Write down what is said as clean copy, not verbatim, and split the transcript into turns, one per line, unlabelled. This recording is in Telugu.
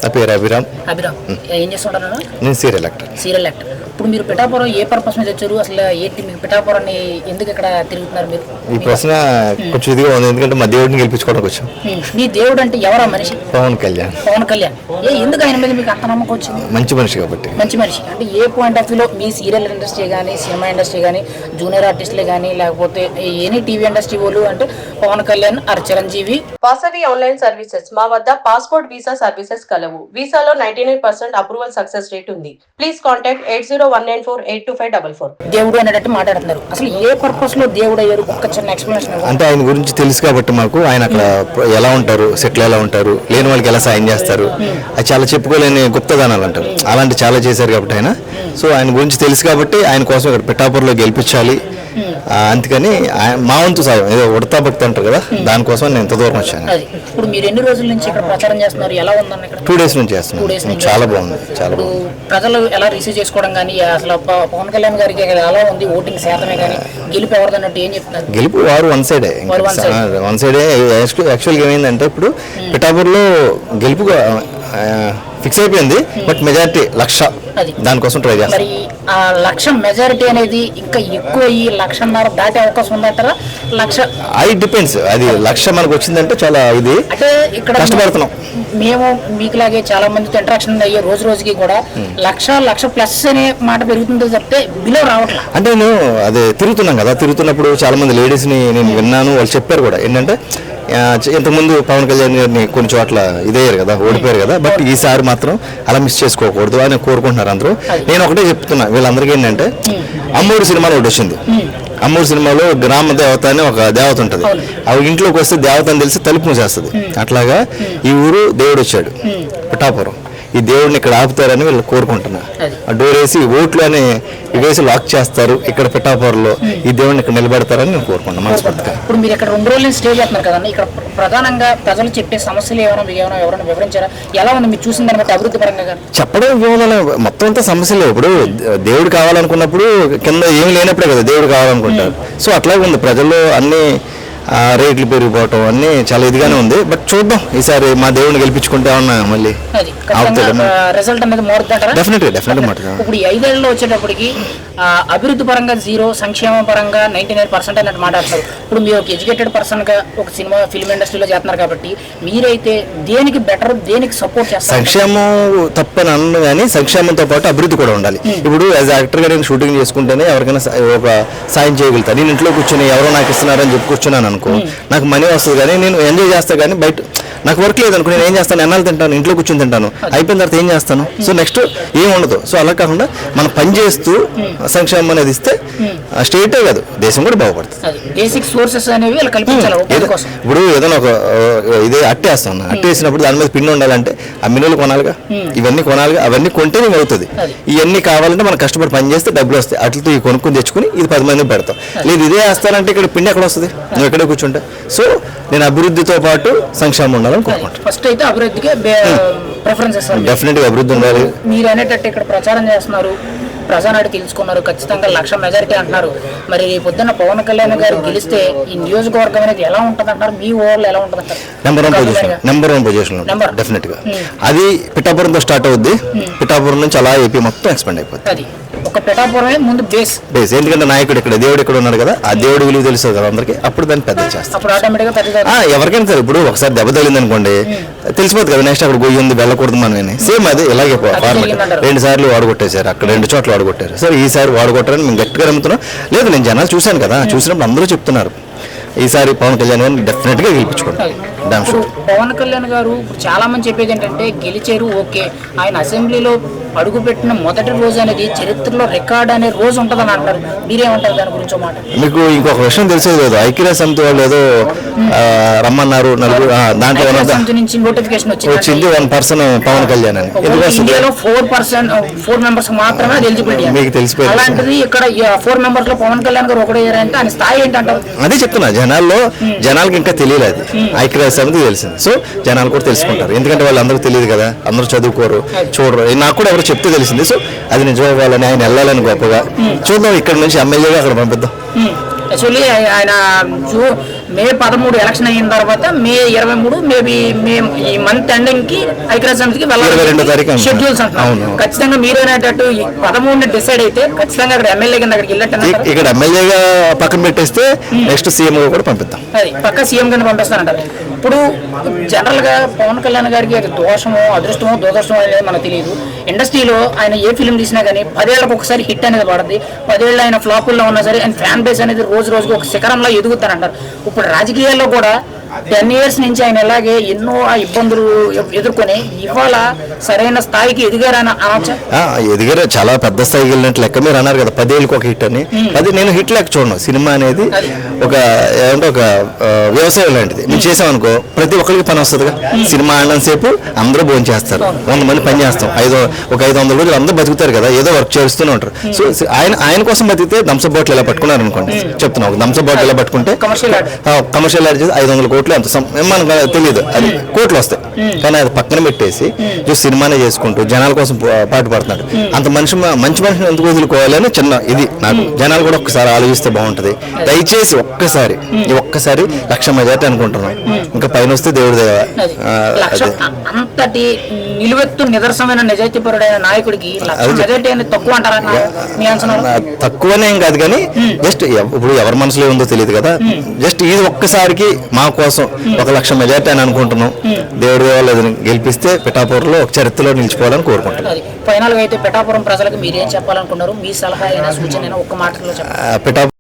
పేరు అభిరామ్.
ఏం చేస్తుంటారు?
నేను సీరియల్ యాక్టర్.
ఇప్పుడు మీరు పిఠాపురం ఏ పర్పస్ మీద వచ్చారు? అసలు ఏంటి మీకు పిఠాపురాన్ని ఎందుకు ఇక్కడ తిరుగుతున్నారు మీరు?
ఈ ప్రశ్న కొంచెం ఇదిగా ఉంది, ఎందుకంటే మా దేవుడిని గెలిపించుకోవడానికి వచ్చాం.
మీ దేవుడు అంటే ఎవరా మనిషి?
పవన్ కళ్యాణ్.
ఎందుకు ఆయన మీద మీకు అంత నమ్మకం వచ్చింది?
మంచి మనిషి కాబట్టి.
మంచి మనిషి అంటే ఏ పాయింట్ ఆఫ్ వ్యూలో? మీ సీరియల్ ఇండస్ట్రీ కానీ, సినిమా ఇండస్ట్రీ కానీ, జూనియర్ ఆర్టిస్టులే కానీ, లేకపోతే ఎనీ టీవీ ఇండస్ట్రీ వాళ్ళు అంటే Pavan Kalyan or Chiranjeevi.
Vasavi online services మా వద్ద పాస్పోర్ట్ వీసా సర్వీసెస్ కలవు. వీసాలో 99% అప్రూవల్ సక్సెస్ రేట్ ఉంది. Please contact 8019482544.
దేవుడు అనేటట్టు మాట్లాడుతున్నారు. అసలు ఏ పర్పస్ లో దేవుడు అయ్యారు? ఒక చిన్న ఎక్స్ప్లెనేషన్.
అంటే ఆయన గురించి తెలుసు కాబట్టి మాకు, ఆయన అక్కడ ఎలా ఉంటారు, సెటిల్ ఎలా ఉంటారు, లేని వాళ్ళకి ఎలా సాయం చేస్తారు, అది చాలా చెప్పుకోలేని గుప్తదానాలు అంటారు, అలాంటి చాలా చేశారు కాబట్టి ఆయన. సో ఆయన గురించి తెలుసు కాబట్టి ఆయన కోసం ఇక్కడ పిఠాపురంలో గెలిపించాలి. అందుకని మా వంతు సాయం ఏదో ఉడతా భక్తి అంటారు కదా, దానికోసం నేను ఎంత దూరం వచ్చాను.
ఇప్పుడు మీరు ఎన్ని రోజుల నుంచి ఇక్కడ ప్రచారం చేస్తున్నారు? ఎలా ఉందన్న ఇక్కడ?
2 days నుంచి చేస్తున్నాను. చాలా బాగుంది, చాలా బాగుంది.
ప్రజలు ఎలా రిసీవ్ చేసుకోవడం కానీ, అసలు పవన్ కళ్యాణ్ గారికి ఎలా ఉంది ఓటింగ్ శాతమే కానీ, గెలుపు ఎవరిదన్నట్టు ఏం చెప్తున్నారు?
గెలుపు వారు వన్ సైడే. యాక్చువల్గా ఏమైందంటే ఇప్పుడు పిఠాపురంలో గెలుపు ఫిక్స్ అయిపోయింది, బట్ మెజారిటీ 1,00,000 దానికోసం ట్రై చేస్తాం.
మరి ఆ 1,00,000 మెజారిటీ అనేది ఇంకా ఎక్కువ 1,50,000 దాటే అవకాశం ఉందంటారా? 1,00,000
అది డిపెండ్స్. అది 1,00,000 మనకు వచ్చిందంటే చాలా ఇది
అంటే ఇక్కడ కష్టపడుతున్నాం. మేము మీకులాగే చాలా మందితో ఇంటరాక్షన్ అయ్యే రోజు రోజుకి కూడా 1,00,000+ అనే మాట పెరుగుతుందో చెప్తే బిలో రావట్లేదు.
అంటే నేను అదే తిరుగుతున్నాం కదా, తిరుగుతున్నప్పుడు చాలా మంది లేడీస్ని నేను విన్నాను, వాళ్ళు చెప్పారు కూడా ఏంటంటే ఇంతకుముందు పవన్ కళ్యాణ్ గారిని కొన్ని చోట్ల ఇదయ్యారు కదా, ఓడిపోయారు కదా, బట్ ఈసారి మాత్రం అలా మిస్ చేసుకోకూడదు అని కోరుకుంటున్నారు అందరూ. నేను ఒకటే చెప్తున్నా వీళ్ళందరికీ ఏంటంటే, అమ్మూరు సినిమాలో ఒకటి వచ్చింది. అమ్మూరు సినిమాలో గ్రామ దేవత అని ఒక దేవత ఉంటుంది. అవి ఇంట్లోకి వస్తే దేవత అని తెలిసి తలుపు మూసేస్తుంది. అట్లాగా ఈ ఊరు దేవుడు వచ్చాడు పిఠాపురం. ఈ దేవుడిని ఇక్కడ ఆపుతారని వీళ్ళు కోరుకుంటున్నా. ఆ డోర్ వేసి ఓట్లు అని వేసి లాక్ చేస్తారు ఇక్కడ పిఠాపురంలో, ఈ దేవుడిని ఇక్కడ నిలబెడతారని నేను కోరుకుంటున్నాను మనస్ఫూర్తిగా.
ఇప్పుడు మీరు ఇక్కడ 2 రోజులు స్టే చేస్తున్నారు కదండి, ఇక్కడ ప్రధానంగా ప్రజలు చెప్పే సమస్యలు ఎవరైనా వివరించారా? ఎలా ఉంది మీరు చూసిన దాన్ని బట్టి అభివృద్ధి పరంగా?
చెప్పడం మొత్తం అంతా సమస్యలే. ఇప్పుడు దేవుడు కావాలనుకున్నప్పుడు కింద ఏమి లేనప్పుడే కదా దేవుడు కావాలనుకుంటారు. సో అట్లాగే ఉంది ప్రజల్లో అన్ని రేట్లు పెరిగిపోవటం అన్ని చాలా ఇదిగానే ఉంది. బట్ చూద్దాం, ఈసారి మా దేవుడిని గెలిపించుకుంటే ఉన్నా మళ్ళీ
రిజల్ట్ అనేది మారుతుంటారా?
డెఫినెట్గా మారుతుంది.
ఇప్పుడు ఈ 5 ఏళ్ళలో వచ్చేటప్పటికి అభివృద్ధి పరంగా 0, సంక్షేమ పరంగా 99% అన్నట్టు మాట్లాడతారు. ఇప్పుడు మీరు ఒక ఎడ్యుకేటెడ్ పర్సన్ గా ఒక సినిమా ఫిల్మ్ ఇండస్ట్రీలో చేస్తున్నారు కాబట్టి మీరైతే దేనికి బెటర్, దేనికి సపోర్ట్ చేస్తారు?
సంక్షేమం తప్పని అన్ను కానీ సంక్షేమంతో పాటు అభివృద్ధి కూడా ఉండాలి. ఇప్పుడు యాజ్ యాక్టర్ గా నేను షూటింగ్ చేసుకుంటేనే ఎవరికైనా ఒక సాయం చేయగలుగుతాను. నేను ఇంట్లో కూర్చొని ఎవరో నాకు ఇస్తున్నారని చెప్పి కూర్చున్నాను అనుకో, నాకు మనీ వస్తుంది కానీ నేను ఎంజాయ్ చేస్తాను. కానీ బయట నాకు వర్క్ లేదనుకో నేను ఏం చేస్తాను, ఎన్నాళ్ళు తింటాను, ఇంట్లో కూర్చొని తింటాను, అయిపోయిన తర్వాత ఏం చేస్తాను? సో నెక్స్ట్ ఏం ఉండదు. సో అలా కాకుండా మనం పని చేస్తూ సంక్షేమం అనేది ఇస్తే స్టేటే కాదు దేశం కూడా బాగుపడుతుంది.
బేసిక్ సోర్సెస్ అనేవి
ఇప్పుడు ఏదైనా ఒక ఇదే అట్టేస్తాను, అట్టేసినప్పుడు దాని మీద పిండి ఉండాలంటే ఆ మినులు కొనాలిగా, ఇవన్నీ కొనాలిగా, అవన్నీ కొంటే నేను అవుతుంది. ఇవన్నీ కావాలంటే మనం కష్టపడి పని చేస్తే డబ్బులు వస్తాయి. అట్లతో ఈ కొనుక్కొని తెచ్చుకుని ఇది 10 మందికి పెడతాం. లేదు ఇదే వేస్తానంటే ఇక్కడ పిండి ఎక్కడ వస్తుంది? నువ్వు ఎక్కడే కూర్చుంటా. సో నేను అభివృద్ధితో పాటు సంక్షేమం ఉండాలని కోరుకుంటాను.
ఫస్ట్ అయితే అభివృద్ధికి ప్రిఫరెన్స్ ఇస్తాను.
డెఫినెట్గా అభివృద్ధి ఉండాలి.
మీరు అనేటట్టు ఇక్కడ ప్రచారం చేస్తున్నారు, ప్రజానాడు తెలుసుకున్నారు, ఖచ్చితంగా 1,00,000 మెజారిటీ అంటున్నారు. మరి పొద్దున్న పవన్ కళ్యాణ్ గారు గెలిస్తే ఈ నియోజకవర్గం అనేది ఎలా ఉంటుంది అంటారు? మీ ఊళ్ళో ఎలా ఉంటుంది అంటారు?
నెంబర్ వన్ పొజిషన్ డెఫినెట్ గా. అది పిఠాపురంతో స్టార్ట్ అవుద్ది. పిఠాపురం నుంచి అలా ఏపీ మొత్తం ఎక్స్పాండ్ అయిపోతుంది.
ఒక పిఠాపురమే ముందు బేస్.
ఎందుకంటే నాయకుడు ఇక్కడ, దేవుడు ఇక్కడ ఉన్నాడు కదా, ఆ దేవుడు విలువ తెలుస్తుంది కదా అందరికి. అప్పుడు దాన్ని పెద్ద చేస్తాం. ఎవరికైనా సరే ఇప్పుడు ఒకసారి దెబ్బ తగిలింది అనుకోండి, తెలిసిపోతుంది కదా నెక్స్ట్ అక్కడ గొయ్యి ఉంది వెళ్ళకూడదు మనమని. సేమ్ అది ఇలాగే 2 సార్లు వాడగొట్టేశారు, అక్కడ 2 చోట్ల వాడగొట్టారు. సరే ఈసారి వాడగొట్టారని మేము గట్టిగా నమ్ముతున్నాం. లేదు నేను జనాలు చూశాను కదా, చూసినప్పుడు అందరూ చెప్తున్నారు ఈసారి పవన్ కళ్యాణ్ గారిని డెఫినెట్ గా గెలిపించుకుంటారు.
పవన్ కళ్యాణ్ గారు చాలా మంది చెప్పేది ఏంటంటే గెలిచారు ఓకే, ఆయన అసెంబ్లీలో అడుగుపెట్టిన మొదటి రోజు అనేది చరిత్రలో రికార్డ్ అనే రోజు ఉంటుందని అంటారు. మీరేమంటారు దాని గురించి? మాట మీకు
ఇంకొక విషయం తెలిసేది లేదు, ఐక్యరాజ్య సమితి వాళ్ళు ఏదో రమ్మన్నారు, నలుగురు దాంట్లో
నుంచి నోటిఫికేషన్
వచ్చింది 1% పవన్ కళ్యాణ్ అని.
ఇండియాలో 4 మెంబర్స్ మాత్రమే ఎలిజిబిలిటీ.
మీకు తెలిసిపోయింది.
అలాంటిది ఇక్కడ 4 మెంబర్స్ లో పవన్ కళ్యాణ్ గారు ఒకటేయారంటే ఆయన స్థాయి ఏంటంటారు?
అదే చెప్తున్నా, జనాలకి ఇంకా తెలియలేదు, ఐక్యరాజ్య సమితి తెలిసింది. సో జనాలు కూడా తెలుసుకుంటారు, ఎందుకంటే వాళ్ళందరికీ తెలియదు కదా, అందరూ చదువుకోరు, చూడరు. నాకు కూడా ఎవరు చెప్తే తెలిసింది. సో అది నిజం అవ్వాలని, ఆయన వెళ్ళాలని గొప్పగా చూద్దాం. ఇక్కడ నుంచి ఎమ్మెల్యేగా అక్కడ పంపిద్దాం.
యాక్చువల్లీ ఆయన మే 13 ఎలక్షన్ అయిన తర్వాత మే 23 మేబీ మే ఈ మంత్ ఎండింగ్ కి ఐక్యరాజ్య సమితికి
22వ తారీఖు
వెళ్ళాలి షెడ్యూల్స్ అంటున్నారు. ఖచ్చితంగా మీరు అనేటట్టు 13 డిసైడ్ అయితే ఖచ్చితంగా అక్కడ ఎమ్మెల్యే కింద అక్కడికి వెళ్ళట్టు
ఇక్కడ ఎమ్మెల్యేగా పక్కన పెట్టేస్తే నెక్స్ట్ సీఎం కూడా పంపిద్దాం.
అది పక్క సీఎం కింద పంపిస్తానంటారు. ఇప్పుడు జనరల్ గా పవన్ కళ్యాణ్ గారికి అది దోషమో అదృష్టమో దురదృష్టమో అనేది మనకు తెలియదు. ఇండస్ట్రీలో ఆయన ఏ ఫిల్మ్ తీసినా కానీ 10 ఏళ్ళకి ఒకసారి హిట్ అనేది పడుతుంది. 10 ఏళ్ళు ఆయన ఫ్లాపుల్లో ఉన్నా సరే ఆయన ఫ్యాన్ బేస్ అనేది రోజు రోజుకి ఒక శిఖరంలో ఎదుగుతారంటారు. ఇప్పుడు రాజకీయాల్లో కూడా 10 years నుంచి ఆయన ఇలాగే ఎన్నో ఇబ్బందులు ఎదుర్కొని ఇవాళ సరైన స్థాయికి ఎదిగారని అనొచ్చా?
ఎదిగారు, చాలా పెద్ద స్థాయికి వెళ్ళినట్టు లెక్క. మీరు అన్నారు కదా 10 ఏళ్ళకి ఒక హిట్ అని. అది నేను హిట్ లెక్క చూడను. సినిమా అనేది ఒక ఏమంటే ఒక వ్యవసాయం లాంటిది. మేము చేసామనుకో ప్రతి ఒక్కరికి పని వస్తుందిగా. సినిమా ఆడడం సేపు అందరూ భోజనం చేస్తారు, 100 మంది పని చేస్తాం, ఒక 500 రోజులు అందరూ బతుకుతారు కదా, ఏదో వర్క్ చేస్తూనే ఉంటారు. సో ఆయన కోసం బతికితే థమ్సప్ బాటిల్ ఇలా పట్టుకున్నారు అనుకోండి, చెప్తున్నాం, ఒక థమ్సప్ బాటిల్ ఇలా పట్టుకుంటే కమర్షియల్ యాడ్ చేసి 500 కోట్లు ఎంత మనకు తెలియదు, అది కోట్లు వస్తాయి. కానీ అది పక్కన పెట్టేసి సినిమానే చేసుకుంటూ జనాల కోసం పాటు పడుతున్నాడు. అంత మంచి మనిషిని ఎందుకు వదులుకోవాలి అని చిన్న ఇది నాకు. జనాలు కూడా ఒక్కసారి ఆలోచిస్తే బాగుంటది. దయచేసి ఒక్కసారి 1,00,000 మెజార్టీ అనుకుంటున్నాం. ఇంకా పైన వస్తే దేవుడి దేవ.
అంతటి నిలువెత్తు నిదర్శనమైన నిజాయితీపరుడైన నాయకుడికి మెజార్టీ అనేది తక్కువ అంటారా?
తక్కువనే ఏం కాదు, కానీ జస్ట్ ఇప్పుడు ఎవరి మనసులో ఉందో తెలియదు కదా. జస్ట్ ఇది ఒక్కసారికి మా కోసం 1,00,000 మెజార్టీ అని అనుకుంటున్నాం. దేవుడి దేవాలయం గెలిపిస్తే పిఠాపురంలో ఒక చరిత్రలో నిలిచిపోవాలని కోరుకుంటున్నాం.
ఫైనల్ గా అయితే పిఠాపురం ప్రజలకు మీరు ఏం చెప్పాలనుకున్నారు? మీ సలహా అయినా సూచన ఒక్క మాటలో చెప్పండి.